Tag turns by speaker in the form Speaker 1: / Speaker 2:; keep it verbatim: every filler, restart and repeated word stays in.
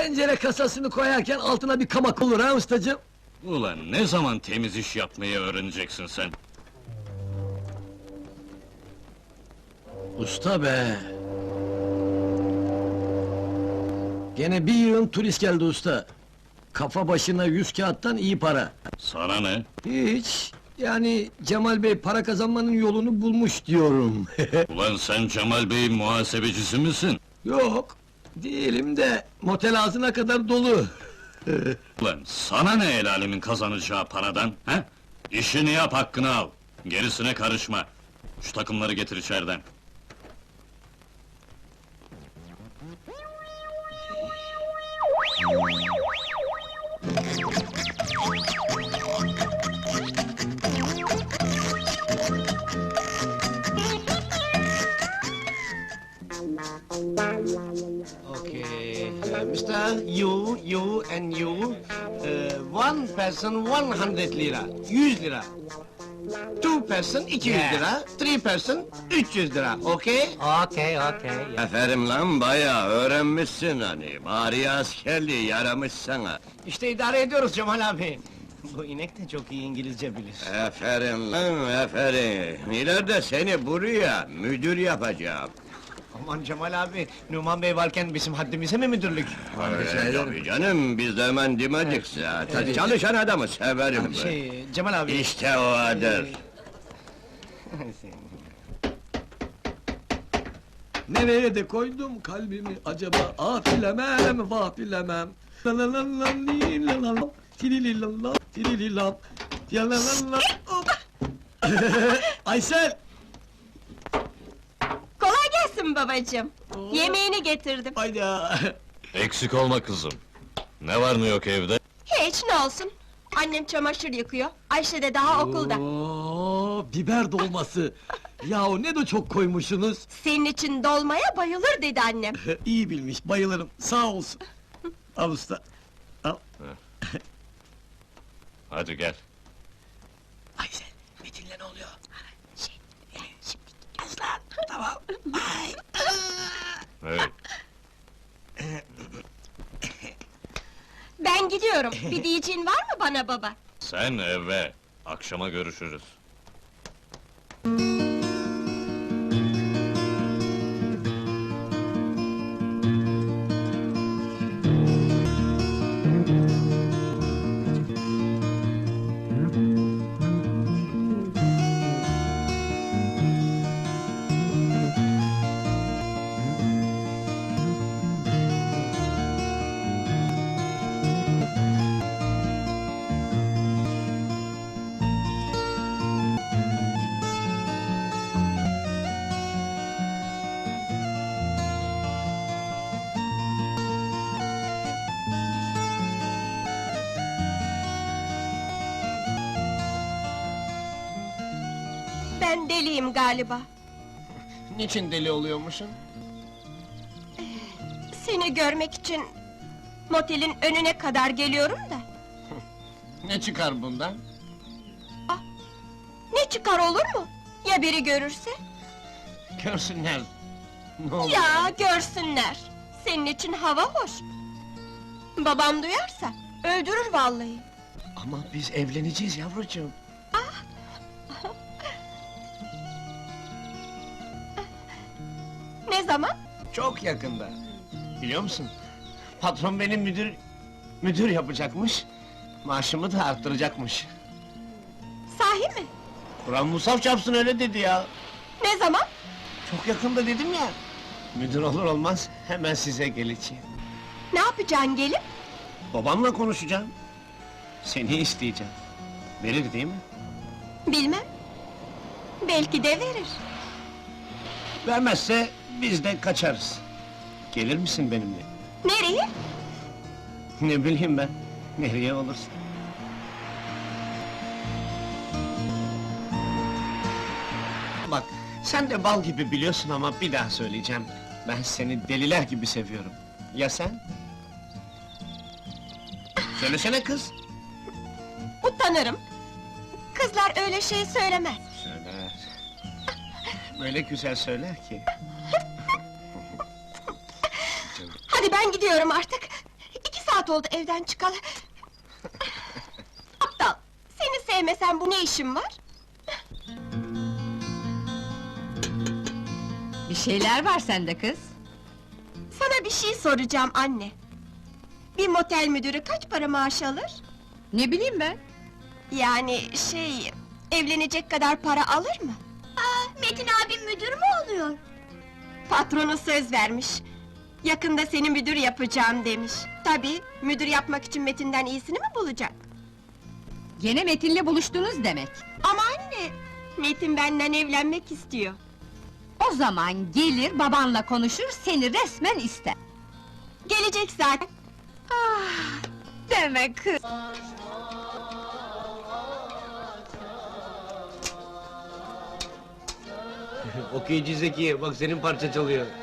Speaker 1: Pencere kasasını koyarken altına bir kamak olur ha ustacığım?
Speaker 2: Ulan ne zaman temiz iş yapmayı öğreneceksin sen?
Speaker 1: Usta be! Gene bir yığın turist geldi usta. Kafa başına yüz kağıttan iyi para.
Speaker 2: Sana ne?
Speaker 1: Hiç, yani Cemal Bey para kazanmanın yolunu bulmuş diyorum.
Speaker 2: Ulan sen Cemal Bey'in muhasebecisi misin?
Speaker 1: Yok, değilim de motel ağzına kadar dolu.
Speaker 2: Ulan sana ne el alemin kazanacağı paradan, he? İşini yap, hakkını al. Gerisine karışma. Şu takımları getir içeriden.
Speaker 3: Okay, uh, Mister You, you and you, uh, one person one hundred lira, yüz lira. Two person iki yüz
Speaker 4: Yeah.
Speaker 3: lira, three person üç yüz lira, okay?
Speaker 4: Okay, okay. Yeah.
Speaker 5: Aferin lan bayağı öğrenmişsin hani. Bari askerliği yaramış sana.
Speaker 3: İşte idare ediyoruz Cemal abi. Bu inek de çok iyi İngilizce bilir.
Speaker 5: Aferin lan aferin. İleride seni buraya müdür yapacağım.
Speaker 3: Aman Cemal abi, Numan Bey varken bizim haddimize mi müdürlük?
Speaker 5: Öyle tabii canım, biz de hemen demedik zaten.
Speaker 3: Evet.
Speaker 5: Çalışan adamı severim ben.
Speaker 3: Şey, Cemal abi...
Speaker 5: İşte o adır.
Speaker 1: Nereye de koydum kalbimi acaba? Ah bilemem, vah bilemem. La la la la li la la la, tilili la la, tilili la, ya la la la, hop! Aysel!
Speaker 6: Kolay gelsin babacığım. Yemeğini getirdim.
Speaker 1: Hayda!
Speaker 2: Eksik olma kızım. Ne var ne yok evde?
Speaker 6: Hiç, ne olsun. Annem çamaşır yıkıyor, Ayşe de daha okulda.
Speaker 1: Oo, biber dolması! Yahu ne de çok koymuşsunuz!
Speaker 6: Senin için dolmaya bayılır dedi annem.
Speaker 1: İyi bilmiş, bayılırım, sağ olsun! Al usta! Al!
Speaker 2: Hadi gel.
Speaker 1: Aysel, Metin'le ne oluyor? Şey, şimdi aslan, tamam! Ay!
Speaker 2: Hey,
Speaker 6: Ben gidiyorum, bir diyeceğin var mı bana baba?
Speaker 2: sen eve. Akşama görüşürüz.
Speaker 6: Ben deliyim galiba.
Speaker 3: Niçin deli oluyormuşsun?
Speaker 6: Seni görmek için... motelin önüne kadar geliyorum da...
Speaker 3: Ne çıkar bundan?
Speaker 6: Ne çıkar olur mu? Ya biri görürse?
Speaker 3: Görsünler. Ne olur.
Speaker 6: Ya görsünler! Senin için hava hoş. Babam duyarsa, öldürür vallahi.
Speaker 3: Ama biz evleneceğiz yavrucuğum.
Speaker 6: Ne zaman?
Speaker 3: Çok yakında. Biliyor musun? Patron beni müdür... müdür yapacakmış. Maaşımı da arttıracakmış.
Speaker 6: Sahi mi?
Speaker 3: Kur'an Musaf çarpsın öyle dedi ya.
Speaker 6: Ne zaman?
Speaker 3: Çok yakında dedim ya. Müdür olur olmaz hemen size geleceğim.
Speaker 6: Ne yapacaksın gelip?
Speaker 3: Babamla konuşacağım. Seni isteyeceğim. Verir değil mi?
Speaker 6: Bilmem. Belki de verir.
Speaker 3: Vermezse biz de kaçarız. Gelir misin benimle?
Speaker 6: Nereye?
Speaker 3: Ne bileyim ben. Nereye olursa. Bak, sen de bal gibi biliyorsun ama bir daha söyleyeceğim. Ben seni deliler gibi seviyorum. Ya sen? Söylesene kız!
Speaker 6: Utanırım. Kızlar öyle şey söylemez.
Speaker 3: Söyler. Böyle güzel söyler ki.
Speaker 6: Hadi ben gidiyorum artık. saat oldu evden çıkalı. Aptal! Seni sevmesem bu ne işin var?
Speaker 4: Bir şeyler var sende kız.
Speaker 6: Sana bir şey soracağım anne. Bir motel müdürü kaç para maaş alır?
Speaker 4: Ne bileyim ben?
Speaker 6: Yani şey... Evlenecek kadar para alır mı? Aa, Metin abim müdür mü oluyor? Patronu söz vermiş. Yakında seni müdür yapacağım demiş. Tabii, müdür yapmak için Metin'den iyisini mi bulacak?
Speaker 4: Gene Metin'le buluştunuz demek.
Speaker 6: Ama anne, Metin benden evlenmek istiyor.
Speaker 4: O zaman gelir babanla konuşur, seni resmen ister.
Speaker 6: Gelecek zaten.
Speaker 4: Ah, deme kız!
Speaker 3: Okuyucu Zekiye, bak senin parça çalıyor.